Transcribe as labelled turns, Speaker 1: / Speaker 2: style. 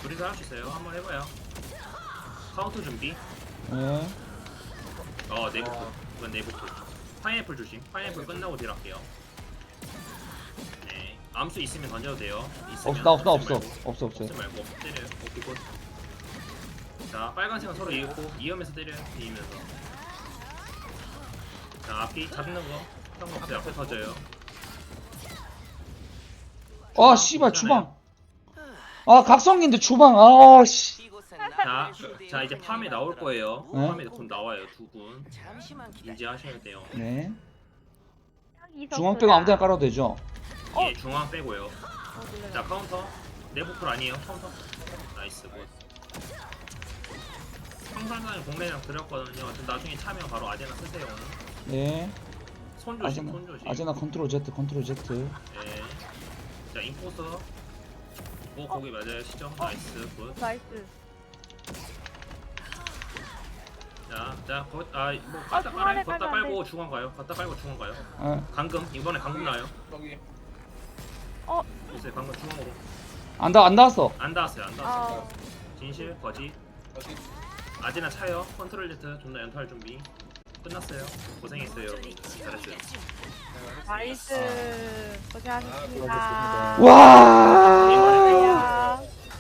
Speaker 1: 둘이서 할 수 있어요. 한번 해봐요. 카운터 준비.
Speaker 2: 네.
Speaker 1: 내부풀. 이건 내부풀. 파인애플 조심. 파인애플 끝나고 딜할게요. 네. 암수 있으면 던져도 돼요. 있으면.
Speaker 2: 나 없어.
Speaker 1: 없지
Speaker 2: 없어요.
Speaker 1: 말고 때려요. 오케이 굿. 자 빨간색은 서로 이으면서 때려요. 이으면서. 자 앞이 잡는 거 상관없어요. 앞에 터져요.
Speaker 2: 아 씨발 주방. 아 각성기인데 주방. 아 씨.
Speaker 1: 자 이제 팜에 나올 거예요.
Speaker 2: 네?
Speaker 1: 팜에 곧 나와요. 두 분. 인지하셔야 돼요.
Speaker 2: 네.
Speaker 3: 이석구다.
Speaker 2: 중앙 빼고 아무데나 깔아도 되죠.
Speaker 1: 예, 중앙 빼고요.
Speaker 3: 놀래라.
Speaker 1: 자 카운터. 내부풀 아니에요. 카운터. 나이스 굿. 청산단에 공래랑 드렸거든요. 나중에 차면 바로 아제나 쓰세요.
Speaker 2: 네.
Speaker 1: 손 조심, 손 조심.
Speaker 2: 아제나 컨트롤 Z.
Speaker 1: 네. 자 인포서. 오 거기 맞아요. 시정. 나이스 굿.
Speaker 3: 나이스.
Speaker 1: 뭐 갖다
Speaker 3: 중앙에
Speaker 1: 깔아요. 갖다
Speaker 3: 깔면 안
Speaker 1: 깔고 중앙 가요. 갖다 깔고 중앙 가요.
Speaker 2: 아,
Speaker 1: 강금 이번에 강금 나요.
Speaker 4: 여기
Speaker 1: 글쎄 방금 중앙으로
Speaker 2: 안 닿았어.
Speaker 1: 안 닿았어요. 안 닿았어요.
Speaker 3: 아,
Speaker 1: 진실 거짓.
Speaker 4: 여기
Speaker 1: 아제나 차요. 컨트롤 Z 존나 연타할 준비. 끝났어요. 고생했어요. 잘했어요.
Speaker 3: 나이스. 고생하셨습니다.
Speaker 4: 고생하셨습니다.
Speaker 2: 와.
Speaker 3: 고생하셨어요.